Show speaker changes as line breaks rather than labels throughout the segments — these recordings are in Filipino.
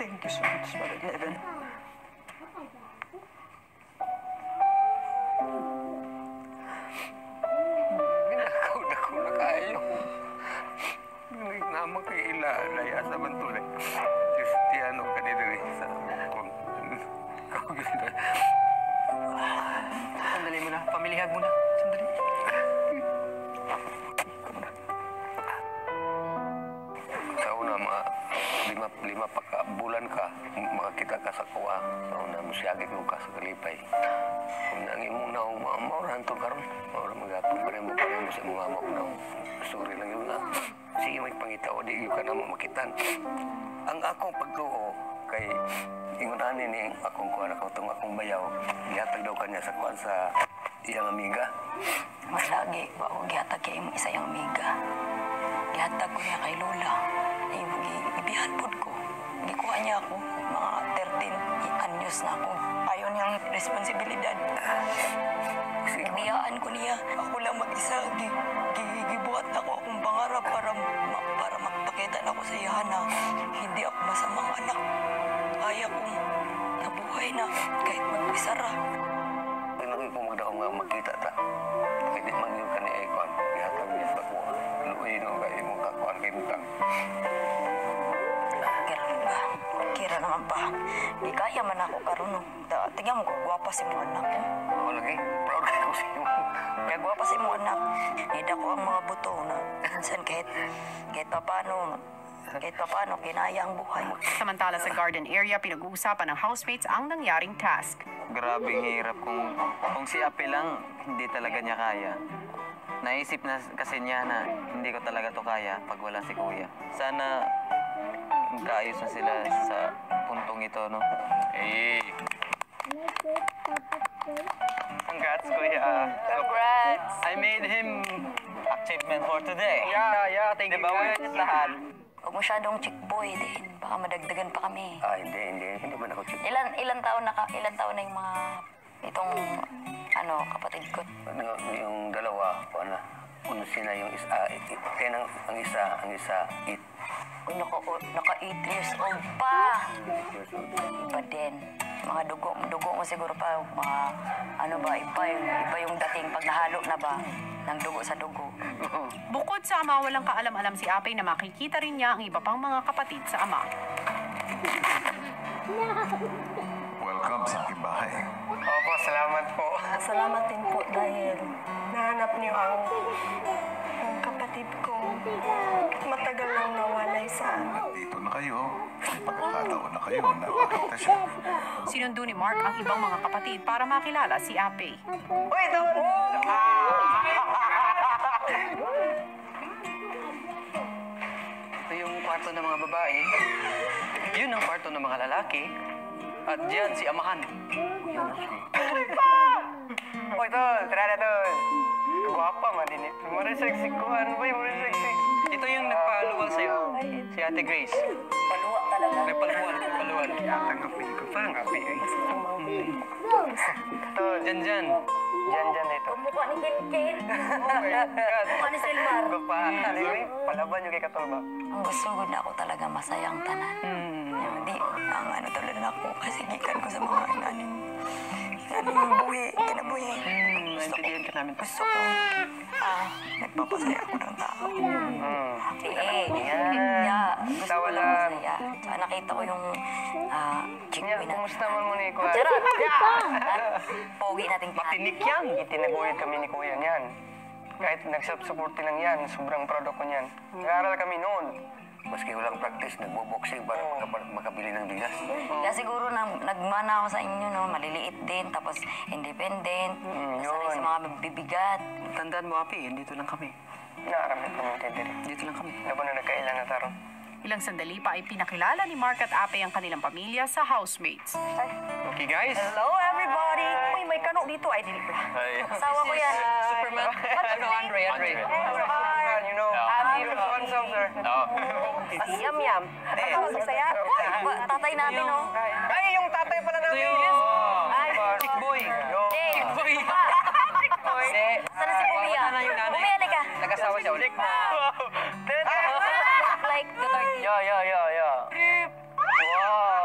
Thank you so much, Mother Eleven.
Ginakaw na ko na kayo. Ngunit naman kay ilalaya sa bantulay. Kristiyano ka nila sa mukong.
Sandali mo na. Pamilihag mo na. Sandali.
Sa una, mga lima pa ka, bulan ka, makakita ka sa kuwa. Sa una, musyagit mo ka sa kalipay. Kung nangin mo na, maurahan to karon. Maurahan mag-apon pa rin mo sa mga maunang. Sorry lang yun nga. Sige, may pangitaw, di yun ka naman makitan. Ang akong pagtuo, kay ingunanin ni akong kuwan ako itong akong bayaw, ihatag daw kanya sa kuwan sa iyang amiga.
Mas lagi, ako gihatag kay isa yung amiga. Gihatag ko niya kay Lola. Ibihan po ko. Gikuha niya ako. Mga 13 anyos na ako. Ayaw niyang responsibilidad. Niyaan ko niya. Ako lang mag-isa. Gibuhat ako akong pangarap para magpakita na ako sa iya na hindi ako masamang anak. Kaya kong nabuhay na kahit mag-isa ra.
Pinagay ko magdakong nga makita ta. Kahit di man yun ka ni Aikon. Ihatag niya sa kuwa. Luoy no kay mo kakuan kay Mutang.
Kira naman pa. Di kaya man ako karon. Tingnan mo ko, gwapa si mo anak.
Ako lagi, proud kayo sa iyo.
Kaya gwapa si mo anak. Nida ko ang mga buto na minsan kahit paano kinaya ang buhay.
Samantala sa garden area, pinag-uusapan ng housemates ang nangyaring task.
Grabing hirap kung si Ape lang, hindi talaga niya kaya. Naisip na kasi niya na hindi ko talaga to kaya pag wala si Kuya. Sana magkaayos na sila sa puntong ito, no?
Eh,
Congrats, Kuya.
Congrats!
I made him achievement for today.
Yeah, thank you
Diba,
guys.
lahat?
Huwag masyadong chick boy din. Baka madagdagan pa kami.
hindi man ako chick.
Ilan taon na yung mga itong kapatid ko.
Yung dalawa, kung sila yung isa, ang isa, it.
Kung naka 8 years old pa. Iba din. Mga dugo mo siguro pa, mga iba yung dating pag nahalo na ba ng dugo sa dugo.
Bukod sa ama, walang kaalam-alam si Apay na makikita rin niya ang iba pang mga kapatid sa ama.
Welcome sa aking bahay.
Opo, salamat po.
Salamat din po dahil nahanap niyo ang kapatid ko. Matagal nang nawalay sa amin.
Dito na kayo. Pagkakataon na kayo na makita siya.
Sinundo ni Mark ang ibang mga kapatid para makilala si Apay.
Uy, ito! Ito yung kwarto ng mga babae. Yun ang kwarto ng mga lalaki. At diyan si Amahan. Uy, tol! Tara na, tol! Guwapa, malinit. Mariseksi ko. Ano ba yung mariseksi? Ito yung nagpaluwal sa'yo. Si Ate Grace.
Paluwa talaga.
Nagpaluwal.
Tanggapin ko pa, ang api eh.
Tol, dyan. Dyan dito.
Mukha ni Kinkin.
Oh my God.
Mukha ni Silmar.
Gupa. Palaban yung kay Katolba.
Ang gusto ko na ako talaga masayang tanan. Hindi, ang tulad na ako kasi gikan ko sa mga inanin buhi, kinabuhi.
Naintindihan ka namin.
Gusto ko, nagpapasaya ako ng tao. Gusto ko lang masaya. Tsaka nakita ko yung chick boy na.
Kumusta man mo ni Kuya?
Charot! Pogi nating
Matinik yan. Itinaguyod kami ni Kuya niyan. Kahit nagsuporti lang yan, sobrang proud ako niyan. Nag-aaral kami noon.
Maski walang practice, nagbo-boxing para makabili ng bigas.
Kaya siguro nagmana ako sa inyo, no? Maliliit din, tapos independent, sanay sa mga bibigat.
Tandaan mo, Api, dito lang kami. Naaramit kami dito. Dito lang kami. Ano ba na nagkailan na taro?
Ilang sandali pa ay pinakilala ni Mark at Apay ang kanilang pamilya sa housemates.
Okay, guys.
Hello, everybody! Uy, may kano dito. Ay, dili pala. Asawa ko yan.
Superman. Ano, Andre. You know, dito sa Wansong, sir.
Yam. Masaya. Tatay natin, no?
Ay, yung tatay pala namin.
Ay,
Chick boy.
Chick
boy.
Sana si Pumia? Pumia, ka.
Nag-asawa siya ulit.
Like the third.
Yo. Wow.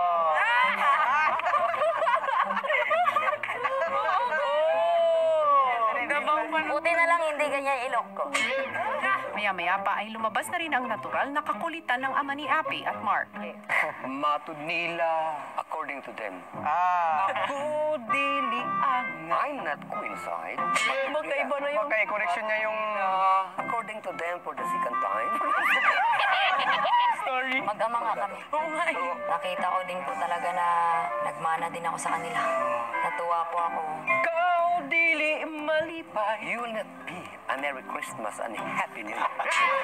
hindi ganyan ilok ko.
Maya-maya pa ay lumabas na rin ang natural na kakulitan ng ama ni Api at Mark.
Matud nila.
According to them,
Ako dili ang...
I'm not coincide.
Magkaiba na yung... correction niya yung...
According to them, for the second time.
story.
Mag-ama nga kami. Nakita ko din po talaga na nagmana din ako sa kanila. Natuwa po ako.
Ikaw dili malipay.
You will not be a Merry Christmas and a Happy New Year.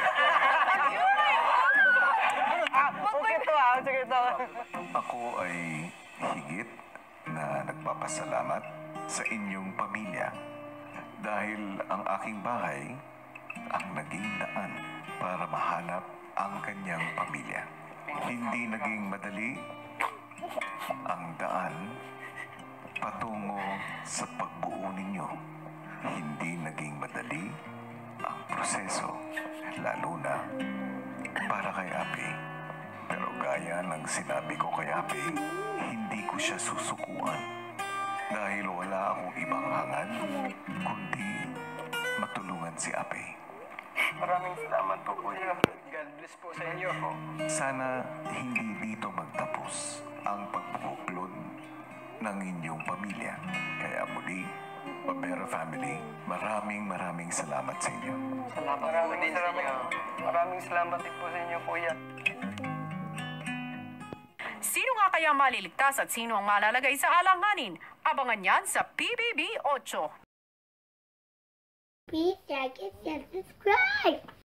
Sige to.
Ako ay higit na nagpapasalamat sa inyong pamilya dahil ang aking bahay ang naging daan para mahanap ang kanyang pamilya. Hindi naging madali ang daan patungo sa pagbuo ninyo. Hindi naging madali ang proseso, lalo na para kay Api. Pero gaya ng sinabi ko kay Api, hindi ko siya susukuan dahil wala akong ibang hangad kundi matulungan si Api.
Maraming salamat po, Kuya. God bless po sa inyo.
Sana hindi dito magtapos ang pagbubuklod ng inyong pamilya. Kaya muli, Pabera Family, maraming salamat sa inyo.
Maraming salamat din po sa inyo, Kuya.
Sino nga kaya maliligtas at sino ang malalagay sa alanganin? Abangan yan sa PBB 8.
Please like and subscribe.